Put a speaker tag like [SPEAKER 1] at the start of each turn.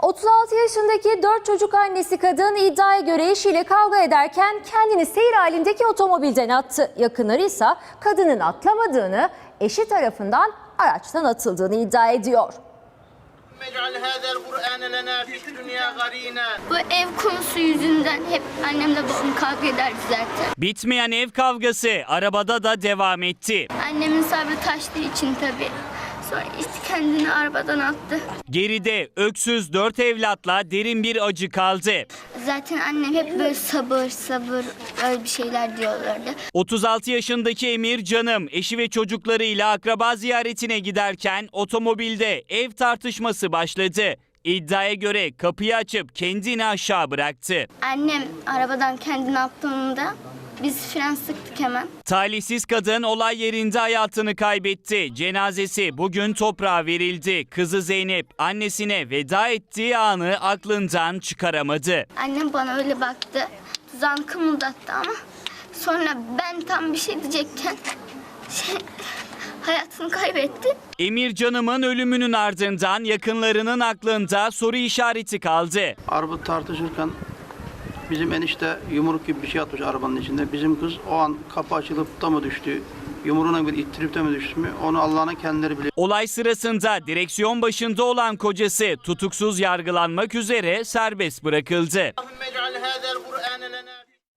[SPEAKER 1] 36 yaşındaki 4 çocuk annesi kadın iddiaya göre eşiyle kavga ederken kendini seyir halindeki otomobilden attı. Yakınları ise kadının atlamadığını, eşi tarafından araçtan atıldığını iddia ediyor.
[SPEAKER 2] Bu ev konusu yüzünden hep annemle babam kavga ederdi zaten.
[SPEAKER 3] Bitmeyen ev kavgası arabada da devam etti.
[SPEAKER 2] Annemin sabrı taştığı için tabii. Sonra işte kendini arabadan attı.
[SPEAKER 3] Geride öksüz 4 evlatla derin bir acı kaldı.
[SPEAKER 2] Zaten annem hep böyle sabır sabır öyle bir şeyler diyorlardı.
[SPEAKER 3] 36 yaşındaki Emir Canım eşi ve çocuklarıyla akraba ziyaretine giderken otomobilde ev tartışması başladı. İddiaya göre kapıyı açıp kendini aşağı bıraktı.
[SPEAKER 2] Annem arabadan kendini attığında biz fren sıktık hemen.
[SPEAKER 3] Talihsiz kadın olay yerinde hayatını kaybetti. Cenazesi bugün toprağa verildi. Kızı Zeynep annesine veda ettiği anı aklından çıkaramadı.
[SPEAKER 2] Annem bana öyle baktı. Tuzağını kımıldattı ama sonra ben tam bir şey diyecekken hayatını kaybetti.
[SPEAKER 3] Emir Canım'ın ölümünün ardından yakınlarının aklında soru işareti kaldı.
[SPEAKER 4] Araba tartışırken bizim enişte yumruk gibi bir şey atmış arabanın içinde. Bizim kız o an kapı açılıp da mı düştü, yumruğuna bir ittirip de mi düştü mü onu Allah'ın kendileri bilir.
[SPEAKER 3] Olay sırasında direksiyon başında olan kocası tutuksuz yargılanmak üzere serbest bırakıldı.